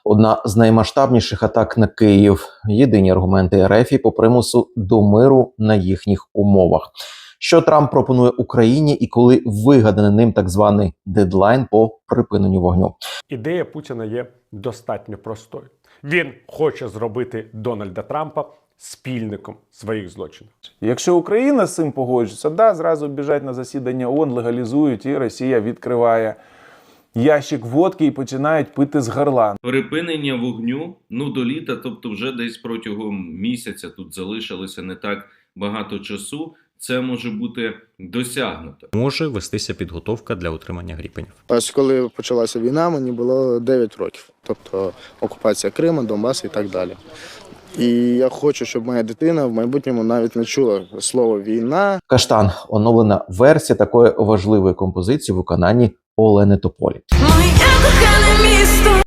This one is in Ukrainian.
Одна з наймасштабніших атак на Київ. Єдині аргументи РФ по примусу до миру на їхніх умовах. Що Трамп пропонує Україні і коли вигаданий ним так званий дедлайн по припиненню вогню? Ідея Путіна є достатньо простою. Він хоче зробити Дональда Трампа спільником своїх злочинів. Якщо Україна з цим погоджується, да, зразу біжать на засідання ООН, легалізують, і Росія відкриває ящик водки і починають пити з горла. Припинення вогню, до літа, тобто вже десь протягом місяця, тут залишилося не так багато часу, це може бути досягнуто. Може вестися підготовка для отримання Гріпенів. Ось коли почалася війна, мені було 9 років. Тобто окупація Криму, Донбасу і так далі. І я хочу, щоб моя дитина в майбутньому навіть не чула слово «війна». Каштан – оновлена версія такої важливої композиції в виконанні Олени Тополі. Моє кохане місто.